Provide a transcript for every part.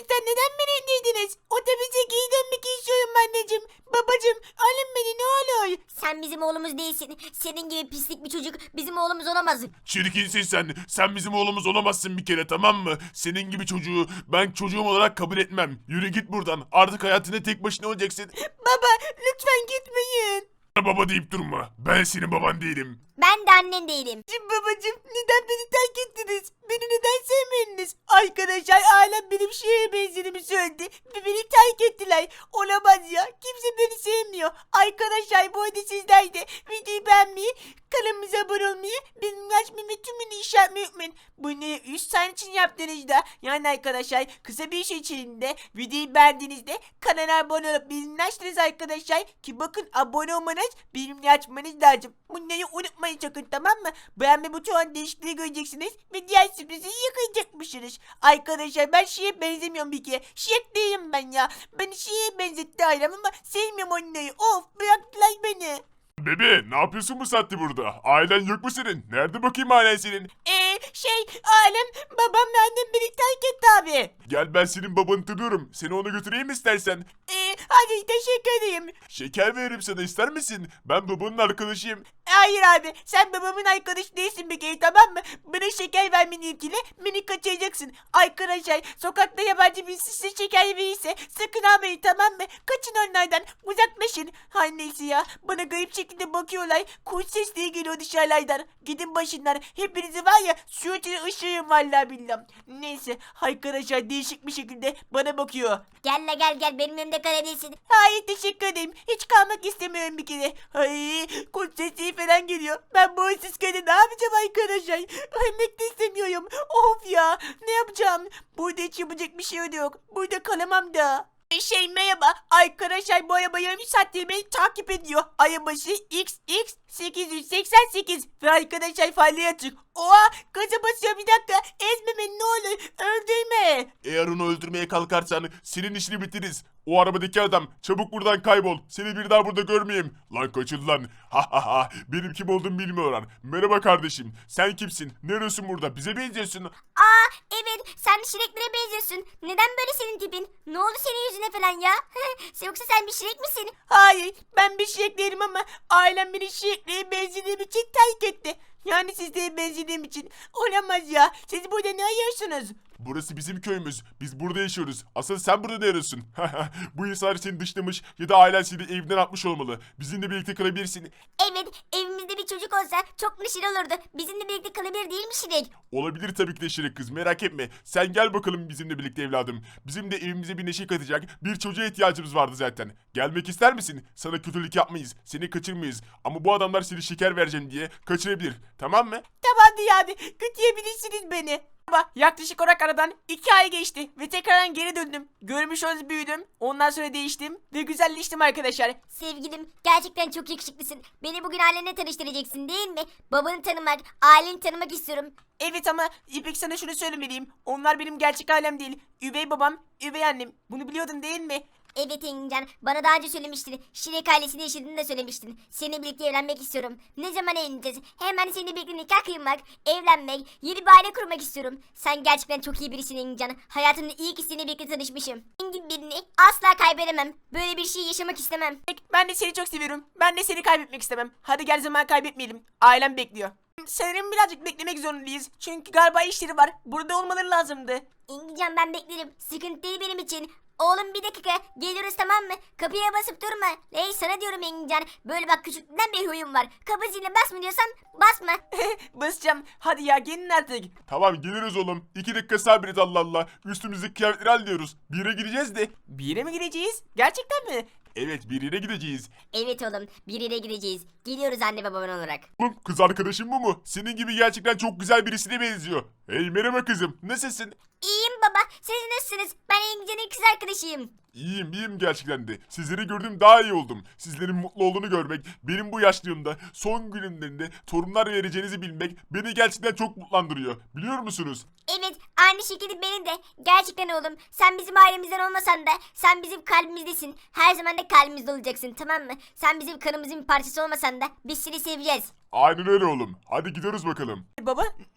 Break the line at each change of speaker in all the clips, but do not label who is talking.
Gerçekten neden beni indirdiniz? Otobüse geri dönmek istiyorum anneciğim. Babacığım alın beni ne olur.
Sen bizim oğlumuz değilsin. Senin gibi pislik bir çocuk bizim oğlumuz olamaz.
Çirkinsin sen. Sen bizim oğlumuz olamazsın bir kere, tamam mı? Senin gibi çocuğu ben çocuğum olarak kabul etmem. Yürü git buradan. Artık hayatında tek başına olacaksın.
Baba lütfen gitmeyin.
Baba deyip durma. Ben senin baban değilim.
Ben de annen değilim.
Babacığım neden beni terk ettiniz? Beni neden sevmediniz? Arkadaşlar ailem benim şeye benzediğimi söyledi ve beni terk ettiler. Olamaz ya. Kimse beni sevmiyor. Arkadaşlar bu arada sizler de videoyu beğenmeyi, kanalımıza abone olmayı, bildirim açmayı ve tümünü işaretlemeyi unutmayın. Bunu 3 saniye için yaptığınızda yani arkadaşlar kısa bir şey içinde videoyu beğendiğinizde kanala abone olup bildirim açtınız arkadaşlar ki bakın abone olmanız bildirimleri açmanız lazım. Bunları unutmayın sakın, tamam mı? Beğenme butonundan değişikliği göreceksiniz ve diğer sürprizi yakalayacakmışsınız. Arkadaşlar ben şeye benzemiyorum bir kere. Şirek değilim ben ya. Beni şeye benzetti ailem ama sevmiyorum onları. Of bıraktılar beni.
Bebe, ne yapıyorsun bu saatte burada? Ailen yok mu senin? Nerede bakayım ailen senin?
Ailem babam ve annem beni terk etti abi.
Gel, ben senin babanı tanıyorum. Seni ona götüreyim istersen.
Hadi teşekkür ederim.
Şeker veririm sana, ister misin? Ben babanın arkadaşıyım.
Hayır abi sen babamın arkadaşı değilsin bir kere, tamam mı? Bana şeker vermeni ilgili beni kaçıracaksın. Arkadaşlar sokakta yabancı birisi size şeker verirse sakın almayın, tamam mı? Kaçın onlardan, uzaklaşın. Her neyse ya, bana garip şekilde bakıyorlar. Kuş sesleri geliyor dışarılardan. Gidin başından, hepinizi var ya suratını ışığım vallahi billahi. Neyse arkadaşlar değişik bir şekilde bana bakıyor.
Gel la gel benim önümde kalabilirsin.
Hayır teşekkür ederim. Hiç kalmak istemiyorum bir kere. Ay kurt sesi falan geliyor. Ben bu hırsız köyde ne yapacağım arkadaşlar? Ölmek de istemiyorum. Of ya, ne yapacağım? Burada hiç yapacak bir şey yok. Burada kalamam da. Merhaba arkadaşlar, bu araba yarım saattir beni takip ediyor. Arabası XX888 ve arkadaşlar farları açık. Oha gaza basıyor, bir dakika, ezme beni ne olur, öldürme.
Eğer onu öldürmeye kalkarsan senin işini bitiririz. O arabadaki adam, çabuk buradan kaybol. Seni bir daha burada görmeyeyim. Lan kaçın lan. Ha ha ha. Benim kim olduğumu bilmiyorlar. Merhaba kardeşim. Sen kimsin? Ne arıyorsun burada? Bize benziyorsun.
Aa evet sen Şireklere benziyorsun. Neden böyle senin tipin? Ne oldu senin yüzüne falan ya? Yoksa sen bir Şirek misin?
Hayır ben bir şirek değilim ama ailem beni şireklere benzediğim için terk etti. Yani sizlere benzediğim için. Olamaz ya. Siz burada ne arıyorsunuz?
Burası bizim köyümüz. Biz burada yaşıyoruz. Asıl sen burada ne arıyorsun? Bu insanlar seni dışlamış ya da ailen seni evden atmış olmalı. Bizimle birlikte kalabilirsin.
Evet evimizde bir çocuk olsa çok neşeli olurdu. Bizimle birlikte kalabilir değil mi Şirek?
Olabilir tabii ki de Şirin kız, merak etme. Sen gel bakalım bizimle birlikte evladım. Bizim de evimize bir neşe katacak bir çocuğa ihtiyacımız vardı zaten. Gelmek ister misin? Sana kötülük yapmayız. Seni kaçırmayız. Ama bu adamlar seni şeker vereceğim diye kaçırabilir. Tamam mı?
Tamam yani. Kötüyebilirsiniz beni. Ama yaklaşık olarak aradan 2 ay geçti ve tekrardan geri döndüm. Görmüş olduğunuz büyüdüm. Ondan sonra değiştim ve güzelleştim arkadaşlar.
Sevgilim gerçekten çok yakışıklısın. Beni bugün ailenle tanıştıracaksın değil mi? Babanı tanımak, aileni tanımak istiyorum.
Evet ama İpek sana şunu söylemeliyim. Onlar benim gerçek ailem değil. Üvey babam, üvey annem. Bunu biliyordun değil mi?
Evet Engincan bana daha önce söylemiştin. Şirek ailesinde yaşadığını da söylemiştin. Seninle birlikte evlenmek istiyorum. Ne zaman evleneceğiz? Hemen seninle birlikte nikah kıymak, evlenmek, yeni bir aile kurmak istiyorum. Sen gerçekten çok iyi birisin Engincan. Hayatımda iyi ki seninle birlikte tanışmışım. Engin birini asla kaybedemem. Böyle bir şey yaşamak istemem.
Ben de seni çok seviyorum. Ben de seni kaybetmek istemem. Hadi gel zaman kaybetmeyelim. Ailem bekliyor. Sanırım birazcık beklemek zorundayız. Çünkü galiba işleri var. Burada olmaları lazımdı.
Engincan ben beklerim. Sıkıntı değil benim için. Oğlum bir dakika geliyoruz tamam mı? Kapıya basıp durma. Hey sana diyorum Engincan. Böyle bak küçüklüğünden bir huyum var. Kapı ziline basma diyorsan basma.
Basacağım. Hadi ya gelin artık.
Tamam geliriz oğlum. 2 dakika sabret, Allah Allah. Üstümüzdeki kıyafetleri hallediyoruz. Bir yere gideceğiz de.
Bir yere mi gideceğiz? Gerçekten mi?
Evet, bir yere gideceğiz.
Evet oğlum bir yere gideceğiz. Geliyoruz anne baban olarak.
Oğlum kız arkadaşın bu mu? Senin gibi gerçekten çok güzel birisine benziyor. Hey merhaba kızım, nasılsın?
İyiyim baba. Siz nasılsınız? Ben Engincan'ın kız arkadaşıyım.
İyiyim gerçekten de. Sizleri gördüm daha iyi oldum. Sizlerin mutlu olduğunu görmek, benim bu yaşlığımda son günümlerinde torunlar vereceğinizi bilmek beni gerçekten çok mutlandırıyor. Biliyor musunuz?
Evet aynı şekilde benim de. Gerçekten oğlum sen bizim ailemizden olmasan da sen bizim kalbimizdesin. Her zaman da kalbimizde olacaksın tamam mı? Sen bizim kanımızın bir parçası olmasan da biz seni seveceğiz.
Aynen öyle oğlum. Hadi gidiyoruz bakalım.
Baba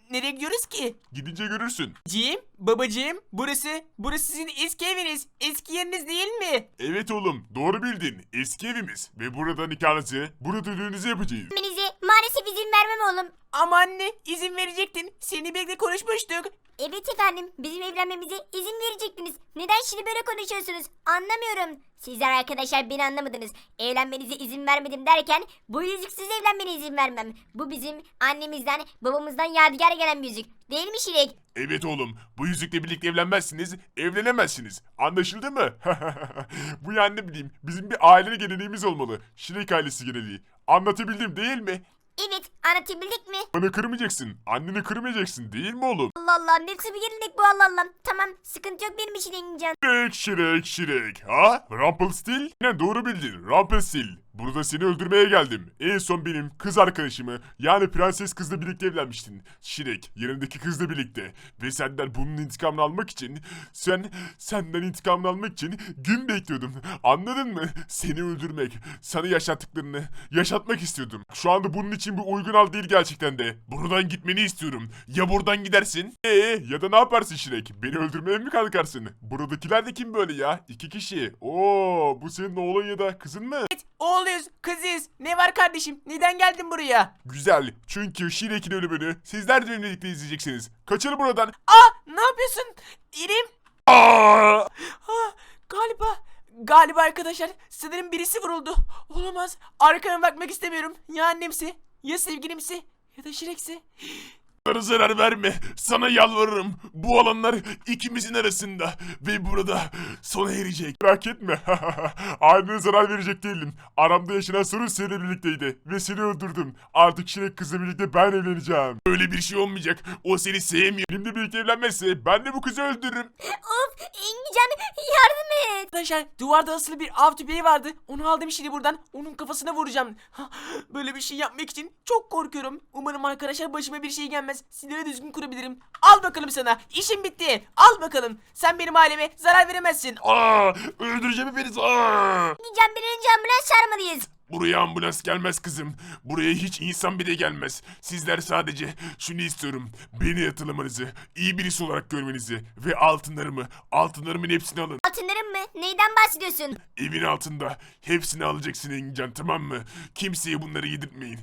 nereye gidiyoruz ki?
Gidince görürsün.
Babacığım, burası sizin eski eviniz. Eski yeriniz değil mi?
Evet oğlum, doğru bildin. Eski evimiz ve burada nikahınızı, burada düğününüzü yapacağız.
Evlenmenize maalesef izin vermem oğlum.
Ama anne, izin verecektin. Seni birlikte konuşmuştuk.
Evet efendim, bizim evlenmemize izin verecektiniz. Neden şimdi böyle konuşuyorsunuz? Anlamıyorum. Sizler arkadaşlar beni anlamadınız. Evlenmenize izin vermedim derken bu yüzüksüz evlenmene izin vermem. Bu bizim annemizden babamızdan yadigar gelen bir yüzük. Değil mi Şirek?
Evet oğlum, bu yüzükle birlikte evlenmezsiniz, evlenemezsiniz. Anlaşıldı mı? Bu yani ne bileyim, bizim bir aile geleneğimiz olmalı. Şirek ailesi geleneği. Anlatabildim değil mi?
Evet, anlatabildik mi?
Bana kırmayacaksın, anneni kırmayacaksın değil mi oğlum?
Allah Allah, nasıl bir gelenek bu Allah Allah. Tamam, sıkıntı yok benim için Engincan.
Şirek. Ha? Rumpelstil? Ne doğru bildin, Rumpelstil. Burada seni öldürmeye geldim. En son benim kız arkadaşımı yani prenses kızla birlikte evlenmiştin. Şirek yanındaki kızla birlikte. Ve senden bunun intikamını almak için senden intikamını almak için gün bekliyordum. Anladın mı? Seni öldürmek, sana yaşattıklarını yaşatmak istiyordum. Şu anda bunun için bir uygun hal değil gerçekten de. Buradan gitmeni istiyorum. Ya buradan gidersin? Ya da ne yaparsın Şirek? Beni öldürmeye mi kalkarsın? Buradakiler de kim böyle ya? 2 kişi. Oo, bu senin oğlun ya da kızın mı?
Oğluyuz, kızıyız. Ne var kardeşim? Neden geldin buraya?
Güzel. Çünkü Şirek'in ölümünü sizler de benimle birlikte izleyeceksiniz. Kaçın buradan.
Ne yapıyorsun? İrem.
Aa!
Galiba arkadaşlar sanırım birisi vuruldu. Olamaz. Arkama bakmak istemiyorum. Ya annemsi, ya sevgilimsi, ya da Şirek'si.
Bana zarar verme. Sana yalvarırım. Bu alanlar ikimizin arasında. Ve burada sona erecek. Merak etme. Ailene zarar verecek değilim. Aramda yaşanan sorun seninle birlikteydi. Ve seni öldürdüm. Artık Şirek kızla birlikte ben evleneceğim. Öyle bir şey olmayacak. O seni sevmiyor. Benimle birlikte evlenmezse ben de bu kızı öldürürüm.
Of, Engincan yardım et.
Arkadaşlar duvarda asılı bir av tüfeği vardı. Onu aldım şimdi buradan. Onun kafasına vuracağım. Böyle bir şey yapmak için çok korkuyorum. Umarım arkadaşlar başıma bir şey gelmez. Sinirleri düzgün kurabilirim. Al bakalım sana. İşim bitti. Al bakalım. Sen benim aileme zarar veremezsin.
Öldüreceğim hepinizi. Aa!
Engincan bir önce ambulans çağırmalıyız.
Buraya ambulans gelmez kızım. Buraya hiç insan bile gelmez. Sizler sadece şunu istiyorum. Beni hatırlamanızı, iyi birisi olarak görmenizi ve altınlarımın hepsini alın.
Altınlarım mı? Neyden bahsediyorsun?
Evin altında hepsini alacaksın Engincan, tamam mı? Kimseye bunları yedirtmeyin.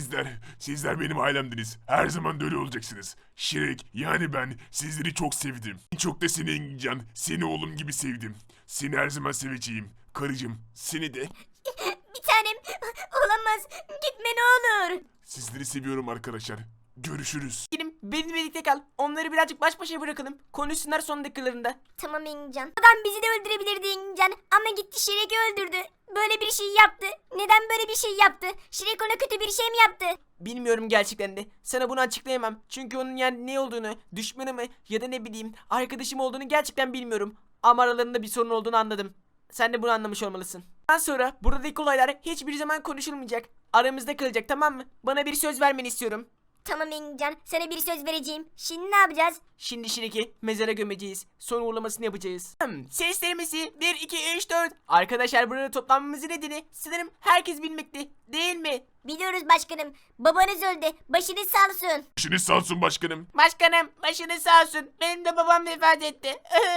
Sizler benim ailemdiniz. Her zaman da öyle olacaksınız. Şirek yani ben sizleri çok sevdim. Çok da seni Engincan, seni oğlum gibi sevdim. Seni her zaman seveceğim. Karıcığım seni de.
Bir tanem. Olamaz. Gitme ne olur.
Sizleri seviyorum arkadaşlar. Görüşürüz.
Benimle birlikte kal. Onları birazcık baş başa bırakalım. Konuşsunlar son dakikalarında.
Tamam Engincan. Adam bizi de öldürebilirdi Engincan. Ama gitti Şirek'i öldürdü. Böyle bir şey yaptı. Neden böyle bir şey yaptı? Şirek ona kötü bir şey mi yaptı?
Bilmiyorum gerçekten de. Sana bunu açıklayamam. Çünkü onun yani ne olduğunu, düşmanı mı ya da ne bileyim arkadaşım olduğunu gerçekten bilmiyorum. Ama aralarında bir sorun olduğunu anladım. Sen de bunu anlamış olmalısın. Ondan sonra buradaki olaylar hiçbir zaman konuşulmayacak. Aramızda kalacak, tamam mı? Bana bir söz vermeni istiyorum.
Tamam Engincan. Sana bir söz vereceğim. Şimdi ne yapacağız?
Şimdi Şirek'i mezara gömeceğiz. Son uğurlamasını yapacağız. Seslerimizi 1, 2, 3, 4. Arkadaşlar burada toplanmamızın nedeni sanırım herkes bilmekte. Değil mi?
Biliyoruz başkanım. Babanız öldü. Başınız sağ olsun.
Başınız sağ olsun başkanım.
Başkanım başınız sağ olsun. Benim de babam vefat etti.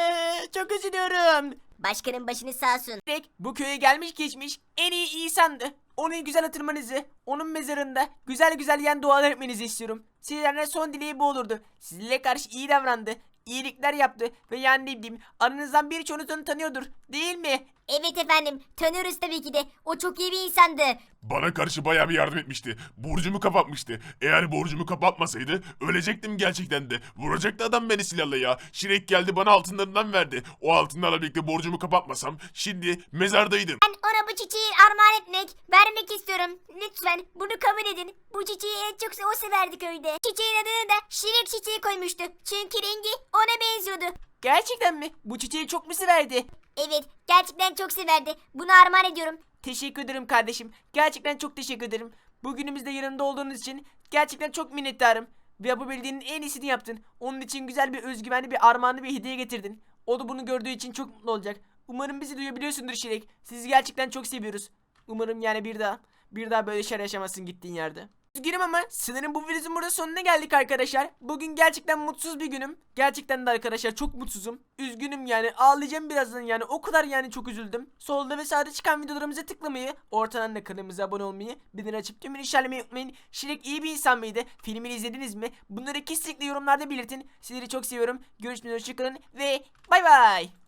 Çok üzülüyorum.
Başkanım başınız sağ olsun.
Şirek bu köye gelmiş geçmiş en iyi insandı. Onu güzel hatırlamanızı, onun mezarında güzel güzel yani dualar etmenizi istiyorum. Sizlerden son dileği bu olurdu. Sizinle karşı iyi davrandı, iyilikler yaptı ve yani ne bileyim aranızdan birçoğunuz onu tanıyordur, değil mi?
Evet efendim. Tanıyoruz tabii ki de. O çok iyi bir insandı.
Bana karşı bayağı bir yardım etmişti. Borcumu kapatmıştı. Eğer borcumu kapatmasaydı ölecektim gerçekten de. Vuracaktı adam beni silahla ya. Şirek geldi bana altınlarından verdi. O altınlarla birlikte borcumu kapatmasam şimdi mezardaydım.
Ben ona bu çiçeği armağan vermek istiyorum. Lütfen bunu kabul edin. Bu çiçeği en çok o severdi köyde. Çiçeğin adını da Şirek çiçeği koymuştu. Çünkü rengi ona benziyordu.
Gerçekten mi? Bu çiçeği çok mu severdi?
Evet, gerçekten çok severdi. Bunu armağan ediyorum.
Teşekkür ederim kardeşim. Gerçekten çok teşekkür ederim. Bugünümüzde yanında olduğunuz için gerçekten çok minnettarım. Ve yapabildiğinin en iyisini yaptın. Onun için güzel bir özgüvenli bir armağanı bir hediye getirdin. O da bunu gördüğü için çok mutlu olacak. Umarım bizi duyabiliyorsundur Şirek. Sizi gerçekten çok seviyoruz. Umarım yani bir daha böyle şeyler yaşamazsın gittiğin yerde. Üzgünüm ama sanırım bu videomuzun burada sonuna geldik arkadaşlar. Bugün gerçekten mutsuz bir günüm. Gerçekten de arkadaşlar çok mutsuzum. Üzgünüm yani, ağlayacağım birazdan yani, o kadar yani çok üzüldüm. Solda ve sağda çıkan videolarımıza tıklamayı, ortadan da kanalımıza abone olmayı, bildirim açıp tümünü işaretlemeyi unutmayın. Şirek iyi bir insan mıydı? Filmini izlediniz mi? Bunları kesinlikle yorumlarda belirtin. Sizleri çok seviyorum. Görüşmek üzere, hoşçakalın ve bay bay.